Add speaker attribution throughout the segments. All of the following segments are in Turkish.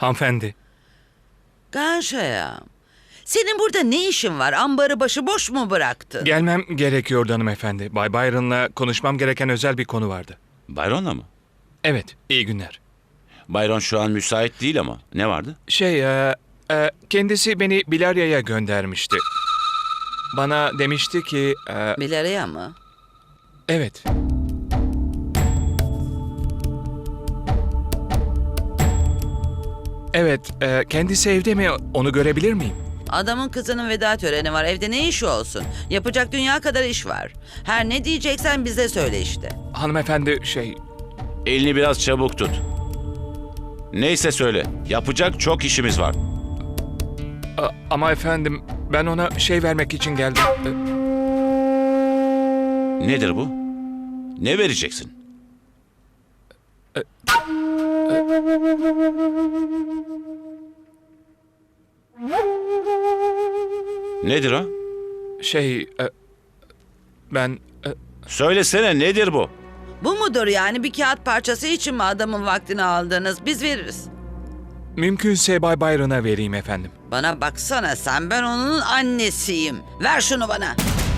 Speaker 1: Hanımefendi.
Speaker 2: Ganshayam, senin burada ne işin var? Ambarı başıboş mu bıraktın?
Speaker 1: Gelmem gerekiyordu hanımefendi. Bay Byron'la konuşmam gereken özel bir konu vardı.
Speaker 3: Byron'la mı?
Speaker 1: Evet, iyi günler.
Speaker 3: Byron şu an müsait değil ama. Ne vardı?
Speaker 1: Kendisi beni Bilarya'ya göndermişti. Bana demişti ki...
Speaker 2: Bilarya mı?
Speaker 1: evet. Evet, kendisi evde mi? Onu görebilir miyim?
Speaker 2: Adamın kızının veda töreni var. Evde ne işi olsun? Yapacak dünya kadar iş var. Her ne diyeceksen bize söyle işte.
Speaker 1: Hanımefendi
Speaker 3: Elini biraz çabuk tut. Neyse söyle. Yapacak çok işimiz var.
Speaker 1: ama efendim ben ona vermek için geldim.
Speaker 3: Nedir bu? Ne vereceksin? Nedir o?
Speaker 1: Ben...
Speaker 3: Söylesene nedir bu?
Speaker 2: Bu mudur yani? Bir kağıt parçası için mi adamın vaktini aldınız? Biz veririz.
Speaker 1: Mümkünse Bay Byron'a vereyim efendim.
Speaker 2: Bana baksana sen, ben onun annesiyim. Ver şunu bana.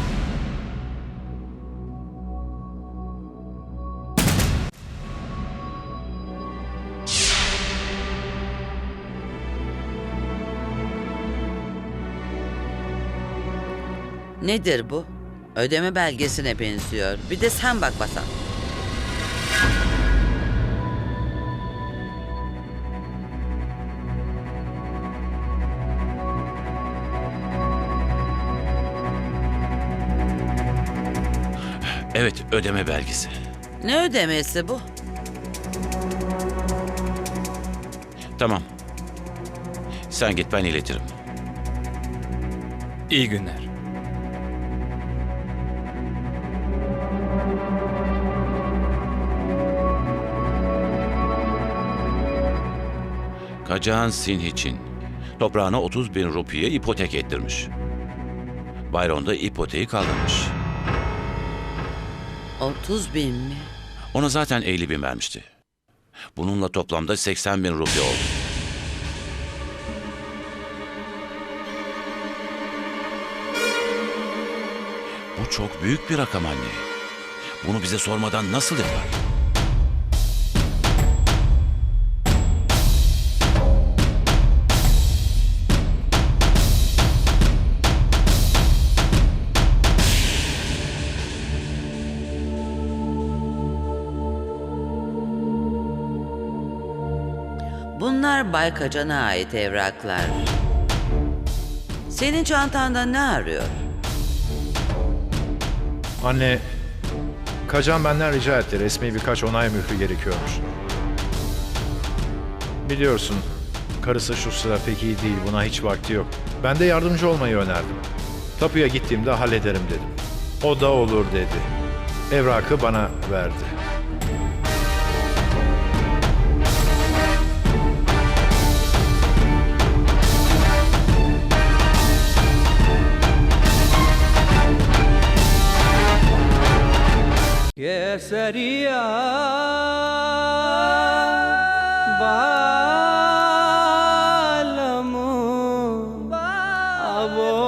Speaker 2: Nedir bu? Ödeme belgesine benziyor. Bir de sen bak Basan.
Speaker 3: Evet, ödeme belgesi.
Speaker 2: Ne ödemesi bu?
Speaker 3: Tamam. Sen git, ben iletirim.
Speaker 1: İyi günler.
Speaker 3: Kacan Sin için toprağına 30.000 rupiye ipotek ettirmiş. Byron da ipoteği kaldırmış.
Speaker 2: 30.000 mi?
Speaker 3: Ona zaten 50.000 vermişti. Bununla toplamda 80.000 rupi oldu. Bu çok büyük bir rakam anne. Bunu bize sormadan nasıl yapar?
Speaker 2: Bunlar Bay Kacan'a ait evraklar. Senin çantanda ne arıyor?
Speaker 4: Anne, Kacan benden rica etti. Resmi birkaç onay mührü gerekiyormuş. Biliyorsun, karısı şu sıra pek iyi değil. Buna hiç vakti yok. Ben de yardımcı olmayı önerdim. Tapuya gittiğimde hallederim dedim. O da olur dedi. Evrakı bana verdi.
Speaker 5: Kesariya